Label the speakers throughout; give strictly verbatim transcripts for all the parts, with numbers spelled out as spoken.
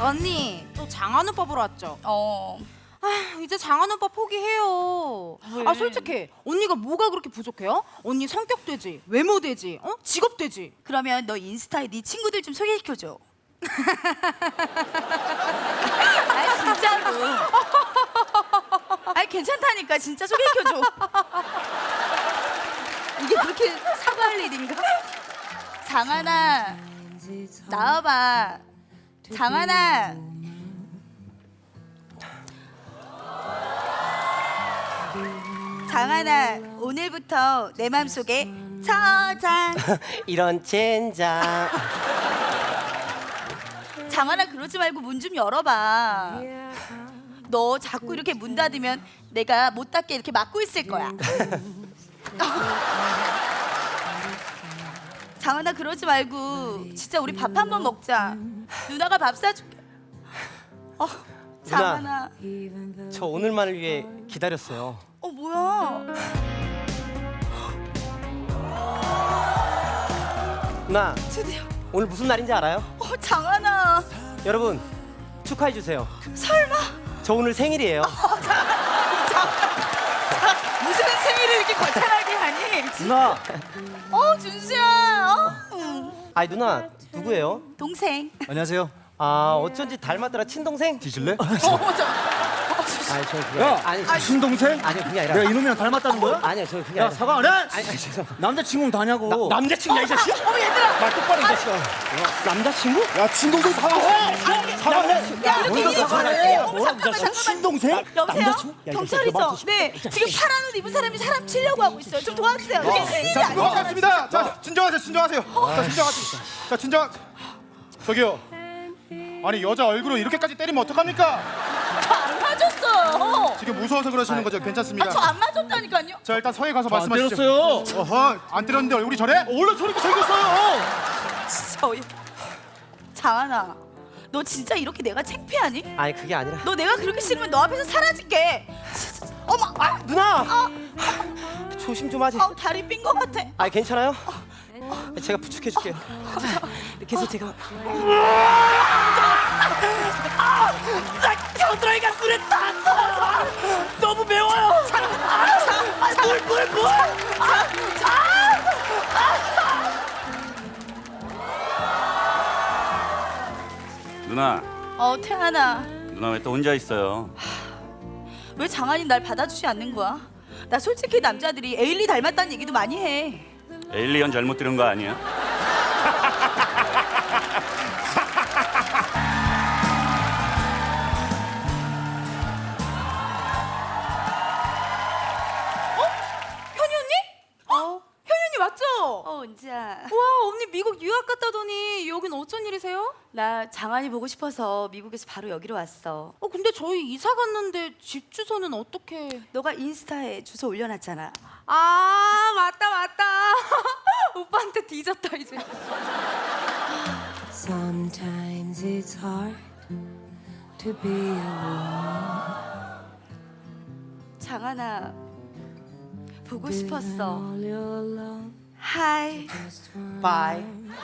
Speaker 1: 언니 또 장한 오빠 보러 왔죠?
Speaker 2: 어.
Speaker 1: 아 이제 장한 오빠 포기해요.
Speaker 2: 왜?
Speaker 1: 아 솔직히 언니가 뭐가 그렇게 부족해요? 언니 성격 되지, 외모 되지, 어? 직업 되지.
Speaker 2: 그러면 너 인스타에 네 친구들 좀 소개시켜줘. 아 진짜로. 아니 괜찮다니까 진짜 소개시켜줘. 이게 그렇게 사과할 일인가? 장하나 나와봐. 장하나. 장하나 오늘부터 내 맘속에 서장.
Speaker 3: 이런 젠장.
Speaker 2: 장하나 그러지 말고 문 좀 열어봐. 너 자꾸 이렇게 문 닫으면 내가 못 닫게 이렇게 막고 있을 거야. 장하나 그러지 말고 진짜 우리 밥 한 번 먹자. 누나가 밥 사줄게. 어, 장하나.
Speaker 3: 저 오늘만을 위해 기다렸어요.
Speaker 2: 어 뭐야?
Speaker 3: 누나,
Speaker 2: 드디어.
Speaker 3: 오늘 무슨 날인지 알아요?
Speaker 2: 어 장하나.
Speaker 3: 여러분 축하해 주세요.
Speaker 2: 설마?
Speaker 3: 저 오늘 생일이에요.
Speaker 2: 무슨 생일을 이렇게 거창하게 하니?
Speaker 3: 누나.
Speaker 2: 어 준수야. 어? 응.
Speaker 3: 아니 누나 누구예요?
Speaker 2: 동생.
Speaker 4: 안녕하세요.
Speaker 3: 아 어쩐지 닮았더라. 친동생?
Speaker 4: 뒤질래?
Speaker 2: 어, 저,
Speaker 3: 아니 저 그게
Speaker 4: 야,
Speaker 3: 아니
Speaker 4: 친동생?
Speaker 3: 아니 그게 아니라
Speaker 4: 내가 이놈이랑 닮았다는 거야?
Speaker 3: 아니요 저 그게
Speaker 4: 야,
Speaker 3: 아니라
Speaker 4: 사과 안 해?
Speaker 3: 아니, 아니 죄송.
Speaker 4: 남자친구는 다냐고.
Speaker 3: 나, 남자친구야 이 자식?
Speaker 2: 어머 얘들아.
Speaker 3: 말 똑바로 이 자식아. 남자친구?
Speaker 4: 야, 친동생 사과해. 사과해.
Speaker 2: 야 이렇게
Speaker 4: 뭔가
Speaker 2: 일이
Speaker 4: 사과해.
Speaker 2: 벌어지네. 어머
Speaker 4: 뭐야,
Speaker 2: 잠깐만
Speaker 4: 이 자식.
Speaker 2: 잠깐만.
Speaker 4: 친동생?
Speaker 2: 여보세요?
Speaker 4: 남자친구? 야, 이 자식,
Speaker 2: 경찰이죠?
Speaker 4: 너 맞고
Speaker 2: 네 지금 파란 옷 입은 사람이 사람 치려고 하고 있어요. 좀 도와주세요. 이게 큰일이
Speaker 5: 자,
Speaker 2: 아니잖아요.
Speaker 5: 고맙습니다. 자, 진정하세요, 진정하세요. 자, 진정하세요. 자, 진정. 저기요. 아니 여자 얼굴을 이렇게까지 때리면 어떡합니까?
Speaker 2: 저안 맞았어요.
Speaker 5: 지금 무서워서 그러시는 거죠? 괜찮습니다.
Speaker 2: 저 안 맞았다니까요.
Speaker 5: 자, 일단 서해 가서
Speaker 4: 안
Speaker 5: 말씀하시죠.
Speaker 4: 때렸어요.
Speaker 5: 어허, 안 때렸는데 얼굴이 저래?
Speaker 4: 원래 저렇게 생겼어요.
Speaker 2: 진짜 어이. 장하나, 너 진짜 이렇게 내가 창피하니?
Speaker 3: 아니 그게 아니라
Speaker 2: 너 내가 그렇게 싫으면 너 앞에서 사라질게. 진짜. 어머, 아,
Speaker 3: 누나. 조심 좀 하지.
Speaker 2: 아, 다리 삔 것 같아.
Speaker 3: 아 괜찮아요? 제가 부축해 줄게요. 이렇게 해서 제가
Speaker 2: 겨드랑이가 술에 탔어. 너무 매워요. 물, 물, 물.
Speaker 6: 누나,
Speaker 2: 어, 태아나,
Speaker 6: 누나 왜 또 혼자 있어요?
Speaker 2: 왜 장한이 날 받아주지 않는 거야? 나 솔직히 남자들이 에일리 닮았다는 얘기도 많이 해.
Speaker 6: 에일리언 잘못 들은 거 아니야?
Speaker 1: 현이 언니?
Speaker 2: 어,
Speaker 1: 현이 언니 맞죠?
Speaker 2: 어, 은지야.
Speaker 1: 와 언니 미국 유학 갔다더니 여긴 어쩐 일이세요?
Speaker 2: 나 장한이 보고 싶어서 미국에서 바로 여기로 왔어.
Speaker 1: 어 근데 저희 이사 갔는데 집 주소는 어떻게?
Speaker 2: 너가 인스타에 주소 올려놨잖아.
Speaker 1: 아 맞다 맞다. 오빠한테 뒤졌다 이제.
Speaker 7: Sometimes it's hard to be a woman.
Speaker 2: 장한아, 보고 싶었어.
Speaker 7: All your love
Speaker 2: 하이.
Speaker 7: just one
Speaker 3: 바이.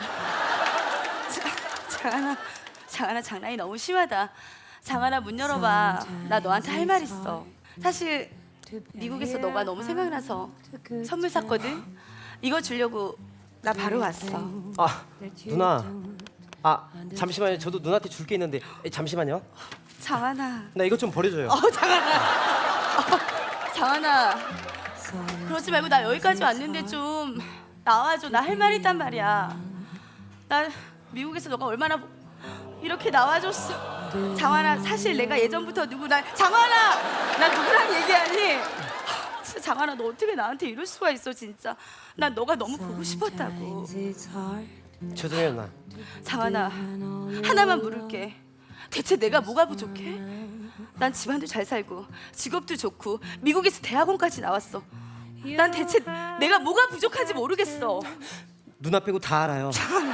Speaker 2: 장한아, 장한아 장난이 너무 심하다. 장한아 문 열어봐. 나 너한테 할 말 있어. 사실 미국에서 너가 너무 생각나서 선물 샀거든. 이거 주려고 나 바로 왔어.
Speaker 3: 아 누나. 아 잠시만요. 저도 누나한테 줄 게 있는데 에, 잠시만요.
Speaker 2: 장한아.
Speaker 3: 나 이것 좀 버려줘요.
Speaker 2: 어 장한아. 어, 장한아. 그러지 말고 나 여기까지 왔는데 좀 나와줘. 나 할 말 있단 말이야. 나 미국에서 너가 얼마나 이렇게 나와줬어. 장한아, 사실 내가 예전부터 누구 날 장한아, 나 누구랑 얘기하니? 진짜 장한아, 너 어떻게 나한테 이럴 수가 있어 진짜. 난 너가 너무 보고 싶었다고.
Speaker 7: Sometimes it's hard
Speaker 3: 죄송해요 누나.
Speaker 2: 장한아, 하나만 물을게. 대체 내가 뭐가 부족해? 난 집안도 잘 살고 직업도 좋고 미국에서 대학원까지 나왔어. 난 대체 내가 뭐가 부족한지 모르겠어.
Speaker 3: 누나 빼고 다 알아요.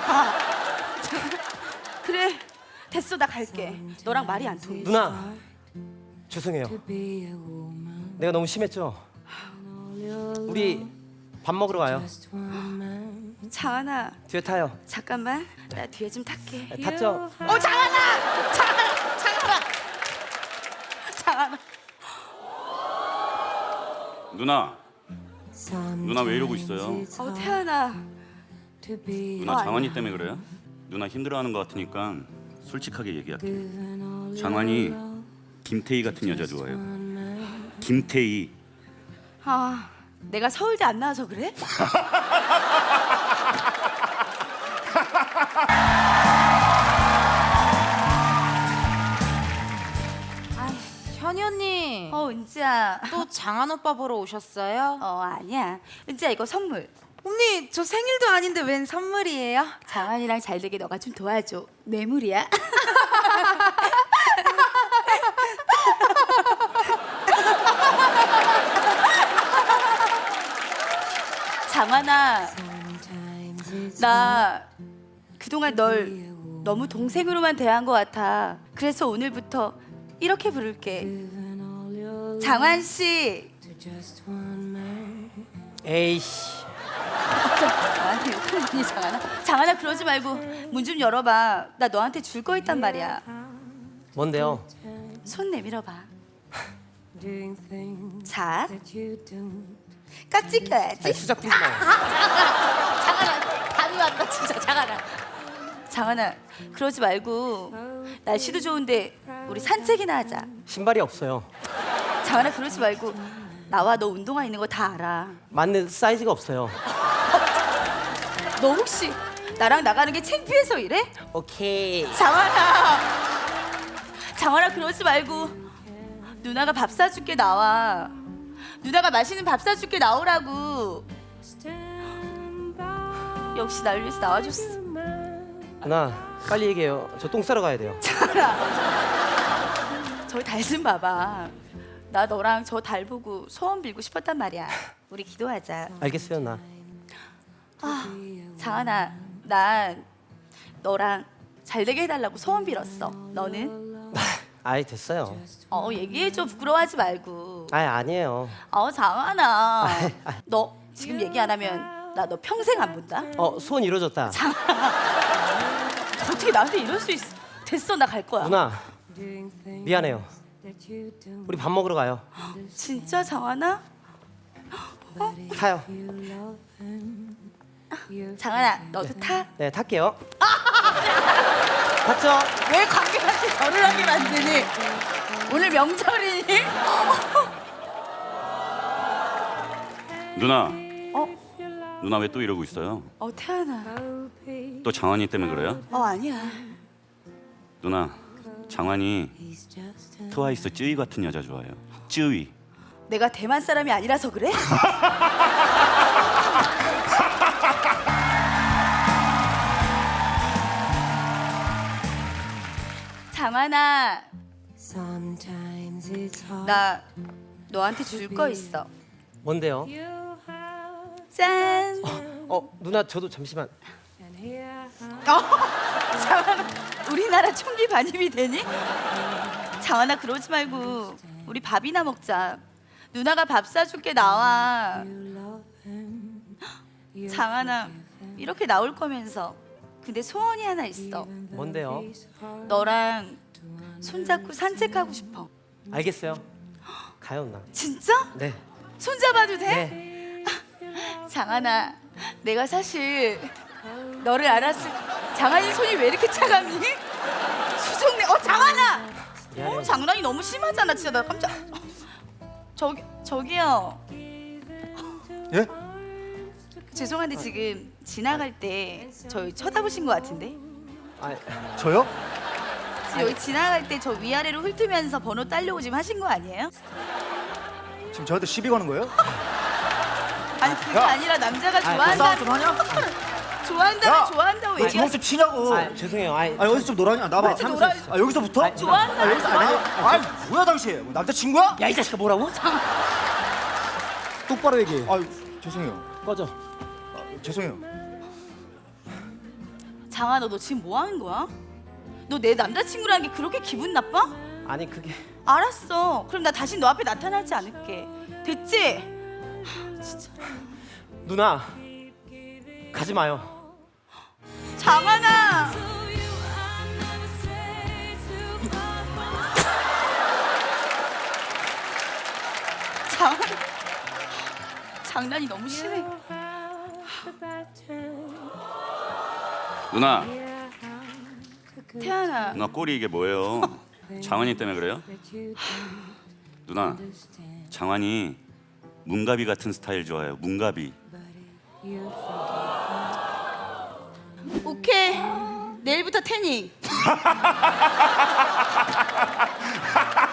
Speaker 2: 그래, 됐어, 나 갈게. 너랑 말이 안 통해.
Speaker 3: 누나 죄송해요.
Speaker 7: to be a woman.
Speaker 3: 내가 너무 심했죠. 우리 밥 먹으러 가요.
Speaker 7: Just one man.
Speaker 2: 장하나,
Speaker 3: 뒤에 타요.
Speaker 2: 잠깐만. 나 뒤에 좀 탈게.
Speaker 3: 탔죠?
Speaker 2: 어, 장하나! 장하나.
Speaker 6: 누나, 누나 왜 이러고 있어요?
Speaker 2: 어 태연아.
Speaker 6: 누나 장환이 때문에 그래요? 누나 힘들어하는 것 같으니까 솔직하게 얘기할게. 장환이 김태희 같은 여자 좋아해요. 김태희.
Speaker 2: 아 내가 서울대 안 나와서 그래?
Speaker 1: 아, 현이 언니.
Speaker 2: 어 은지야.
Speaker 1: 또 장한 오빠 보러 오셨어요?
Speaker 2: 어 아니야. 은지야 이거 선물.
Speaker 1: 언니, 저 생일도 아닌데 웬 선물이에요?
Speaker 2: 장환이랑 잘 되게 너가 좀 도와줘. 뇌물이야. 장환아, 나 그동안 널 너무 동생으로만 대한 것 같아. 그래서 오늘부터 이렇게 부를게. 장환 씨.
Speaker 3: 에이씨.
Speaker 2: 나한테 욕하는 거니 장하나? 장하나 그러지 말고 문 좀 열어봐. 나 너한테 줄 거 있단 말이야.
Speaker 3: 뭔데요?
Speaker 2: 손 내밀어봐. 자, 깍지 껴야지.
Speaker 3: 아니, 수작 부리지 마요.
Speaker 2: 장하나, 감이 왔다 진짜 장하나. 장하나, 그러지 말고 날씨도 좋은데 우리 산책이나 하자.
Speaker 3: 신발이 없어요.
Speaker 2: 장하나 그러지 말고 나와 너 운동화 있는 거 다 알아.
Speaker 3: 맞는 사이즈가 없어요.
Speaker 2: 너 혹시 나랑 나가는 게 창피해서 이래?
Speaker 3: 오케이.
Speaker 2: 장하나, 장하나 그러지 말고 누나가 밥 사줄게 나와. 누나가 맛있는 밥 사줄게 나오라고. 역시 날 위해서 나와줬어.
Speaker 3: 누나, 빨리 얘기해요. 저 똥 싸러 가야 돼요.
Speaker 2: 장하나, 저기 달 좀 봐봐. 나 너랑 저 달 보고 소원 빌고 싶었단 말이야. 우리 기도하자.
Speaker 3: 알겠어요, 누나.
Speaker 2: 아, 장하나, 난 너랑 잘 되게 해달라고 소원 빌었어. 너는?
Speaker 3: 아이, 됐어요.
Speaker 2: 어, 얘기해줘. 부끄러워하지 말고.
Speaker 3: 아이, 아니에요.
Speaker 2: 어, 장하나. 너 지금 얘기 안 하면 나 너 평생 안 본다.
Speaker 3: 어, 소원 이루어졌다.
Speaker 2: 어떻게 나한테 이럴 수 있어? 됐어, 나 갈 거야.
Speaker 3: 누나, 미안해요. 우리 밥 먹으러 가요.
Speaker 2: 진짜 장하나?
Speaker 3: 타요.
Speaker 2: 장하나, 너도 타?
Speaker 3: 네, 탈게요. 탔죠?
Speaker 2: 왜 관객한테 절을 하게 만드니? 오늘 명절이니?
Speaker 6: 누나,
Speaker 2: 어?
Speaker 6: 누나 왜 또 이러고 있어요?
Speaker 2: 어, 태연아.
Speaker 6: 또 장환이 때문에 그래요?
Speaker 2: 어, 아니야.
Speaker 6: 누나, 장환이 트와이스 쯔위 같은 여자 좋아해요. 쯔위.
Speaker 2: 내가 대만 사람이 아니라서 그래? 장하나, 나 너한테 줄 거 있어.
Speaker 3: 뭔데요?
Speaker 2: 짠.
Speaker 3: 어, 누나, 저도 잠시만.
Speaker 2: 어, 장하나, 우리나라 총기 반입이 되니? 장하나 그러지 말고 우리 밥이나 먹자. 누나가 밥 사줄게 나와. 장하나 이렇게 나올 거면서 근데 소원이 하나 있어.
Speaker 3: 뭔데요?
Speaker 2: 너랑 손잡고 산책하고 싶어.
Speaker 3: 알겠어요. 가요, 누나.
Speaker 2: 진짜?
Speaker 3: 네.
Speaker 2: 손잡아도 돼?
Speaker 3: 네.
Speaker 2: 장하나, 내가 사실 너를 알았을 장하니 손이 왜 이렇게 차갑니? 수정네. 어 장하나.
Speaker 3: 미안해요.
Speaker 2: 어 장난이 너무 심하잖아. 진짜 나 깜짝. 저기 저기요.
Speaker 5: 예?
Speaker 2: 죄송한데 지금 지나갈 때 저희 쳐다보신 것 같은데.
Speaker 3: 아,
Speaker 5: 저요?
Speaker 2: 지금 여기 지나갈 때 저 위아래로 훑으면서 번호 따려고 지금 하신 거 아니에요?
Speaker 5: 지금 저한테 시비 거는 거예요?
Speaker 2: 아니 그게
Speaker 5: 야.
Speaker 2: 아니라 남자가
Speaker 5: 싸움
Speaker 2: 좋아한다.
Speaker 5: 좀 하냐?
Speaker 2: 좋아한다면
Speaker 5: 야.
Speaker 2: 좋아한다고
Speaker 5: 왜 주먹
Speaker 2: 얘기하지.
Speaker 5: 좀 치냐고.
Speaker 3: 아, 죄송해요. 아이,
Speaker 5: 아 여기서 좀 놀아냐? 나봐.
Speaker 2: 같이 놀아.
Speaker 5: 아 여기서부터?
Speaker 3: 아니,
Speaker 2: 좋아한다.
Speaker 5: 아 여기서 아니 아니 뭐야 당신? 뭐 남자친구야?
Speaker 3: 야, 이 자식아, 뭐라고? 똑바로 얘기해.
Speaker 5: 아 죄송해요.
Speaker 3: 꺼져.
Speaker 5: 아, 죄송해요.
Speaker 2: 장아 너, 너 지금 뭐 하는 거야? 너 내 남자친구라는 게 그렇게 기분 나빠?
Speaker 3: 아니, 그게
Speaker 2: 알았어. 그럼 나 다시 너 앞에 나타나지 않을게. 됐지?
Speaker 3: 누나, 가지 마요.
Speaker 2: 장하나. 장 장난이 너무 심해.
Speaker 6: 누나,
Speaker 2: 태연아,
Speaker 6: 누나 꼴이 이게 뭐예요? 장환이 때문에 그래요? 누나, 장환이 문가비 같은 스타일 좋아해요. 문가비.
Speaker 2: 오케이. 내일부터 태닝.